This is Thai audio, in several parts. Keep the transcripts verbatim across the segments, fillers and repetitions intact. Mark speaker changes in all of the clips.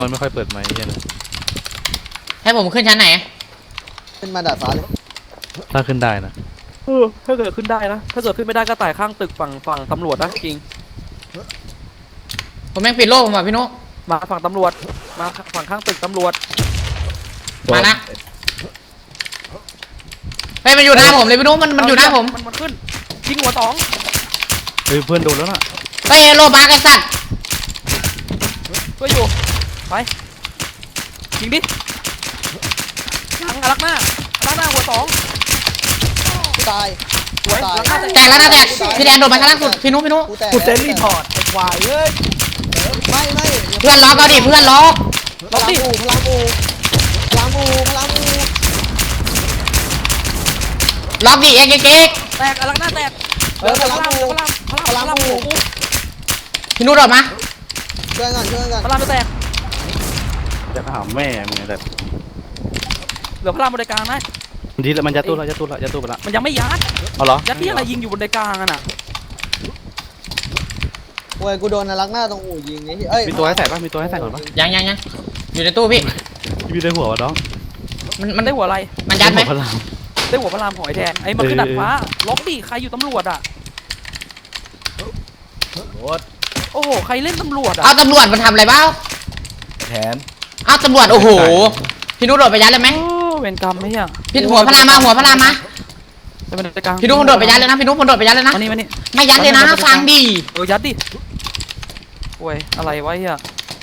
Speaker 1: มันไม่ค่อยเปิดไมค์เหี้ยนะ
Speaker 2: ให้ผมขึ้นชั้นไหน
Speaker 3: ขึ้นมาดาดฟ้าเลย
Speaker 1: ถ้าขึ้นได้นะ
Speaker 4: เออถ้าเกิดขึ้นได้นะถ้าเกิดขึ้นไม่ได้ก็ไต่ข้างตึกฝั่งฝั่งตำรวจนะจริง
Speaker 2: ผมแม่งปิดโลกผมว่ะพี่นุ๊ก
Speaker 4: มาฝั่งตำรวจมาฝั่งข้างตึกตำรวจ
Speaker 2: มาละเฮ้ยมันอยู่หน้าผมเลยพี่นุ๊กมันมันอยู่หน้าผม
Speaker 4: มันมันขึ้นยิงหัวสอง
Speaker 1: เฮ้ยเพื่อนโดนแล้วน่ะ
Speaker 2: เฮ้ยโลบาร์ไอ้สัตว์
Speaker 4: ช่วยอยู่ไปยิงดิหลังอารักหน้าอารักหน้าหัวสอง
Speaker 3: กูตาย
Speaker 4: สวย
Speaker 3: ตาย
Speaker 4: อารักหน้า
Speaker 2: แตกแล้วนะแตกพี่แดนโดนมาชั้นล่างสุดพี่นุ๊กพี่นุ๊ก
Speaker 3: กูแตก
Speaker 5: กูเซนรีพอร์ตไอ้ควายเอ้ย
Speaker 3: ไม่ไม่
Speaker 2: เพื่อนล็อกเอาดิเพื่อนล็อก
Speaker 3: พลังอูพลังอูพลังอูพลังอู
Speaker 2: ล็อกดิเอ็กเอ็กเอ็ก
Speaker 4: แตกอารักหน้าแตก
Speaker 3: เออพ
Speaker 4: พ
Speaker 3: ลั
Speaker 4: ลั
Speaker 3: ง
Speaker 4: ง
Speaker 3: อู
Speaker 4: พลังพลังพลังหัวกู
Speaker 2: พี่นุ๊กโดดมา
Speaker 3: ช่วยกันช่วยกัน
Speaker 4: พลังจะแตก
Speaker 1: จะถามแม่มึงไงแต่
Speaker 4: เหลือพลังบนไดกลางนะ
Speaker 1: ทีละมันยัดตู้ละยัดตู้ละยัดตู้ไปละ
Speaker 4: มันยังไม่ยัด
Speaker 1: เอาเหรอ
Speaker 4: ยัดที่อะไรยิงอยู่บนไดกลางอ่ะน่ะ
Speaker 3: โอ้ยกูโดนนรักหน้าตรงอู่ยิงไอ้เอ้ย
Speaker 1: มีตัวให้ใส่ป่ะมีตัวให้ใส่ก่อนป่ะ
Speaker 2: ยังยังยังอยู่ในตู้พี่
Speaker 1: พี่ได้หัววะน้อง
Speaker 2: มันมั
Speaker 4: มัน นได้หัวอะไร
Speaker 2: มันยัดไหม
Speaker 1: พลัง
Speaker 4: ได้หัวพลังของไอ้แทนไอ้มันขึ้นดัดฟ้าล็อกดิใครอยู่ตำรวจอ่ะ
Speaker 5: โคตร
Speaker 4: โอ้โหใครเล่นตำรวจอ่ะ
Speaker 2: เอาตำรวจมันทำอะไรบ้าง
Speaker 5: แทน
Speaker 2: เอาตำรวจโอ้โหพี่นุ๊กโดดไปยัดเลยไหม
Speaker 4: โอ้เวรกรรมไหมอ่ะ
Speaker 2: พี่หัวพลามาหัวพลามา
Speaker 4: จะเป็นไดกลาง
Speaker 2: พี่นุ๊กมันโดดไปยัดเลยนะพี่นุ๊กมันโดดไปยัดเลยนะ
Speaker 4: มานี่มานี่
Speaker 2: ไม่ยัดเลยนะฟังดิ
Speaker 4: เออยัดดิโอ้ยอะไรวะเฮีย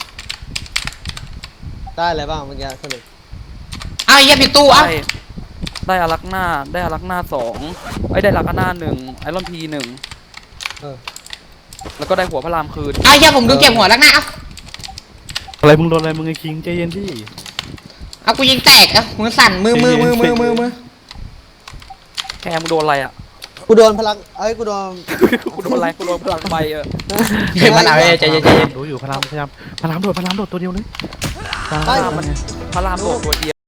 Speaker 3: ได้อะไรบ้างเมื่อกี้สรุป
Speaker 2: เอาไอ้เหี้ยผิดตู้เอา
Speaker 4: ได้ได้อารักหน้าได้อารักหน้าสองไอ้ได้อารักหน้าหนึ่งไอรอนพีหนึ่ง
Speaker 3: เออ
Speaker 4: แล้วก็ได้หัวพระรามคืน
Speaker 2: เอาไอ้เหี้ยผมดูเก็บหัวแล้วนะเอา
Speaker 1: อะไรมึงโดนอะไรมึงไอ้คิงใจเย็นดิ
Speaker 2: เอากูยิงแตกเอามือสั่นมือมือมือมือมือมือ
Speaker 4: แคมงโดนอะไรอ่ะ
Speaker 3: กูโดนพลังเอ้ยกูโดน
Speaker 4: กูโดนอะไรกูโดนพลังไฟเออ
Speaker 2: เฮ้ยมันเอาไอ้ใจเย็นใจเย็น
Speaker 1: ดูอยู่พลังพยายามพลังโดดพลังโดดตัวเดียวเลย
Speaker 4: พระรามมันพระรามโดดตัวเดียว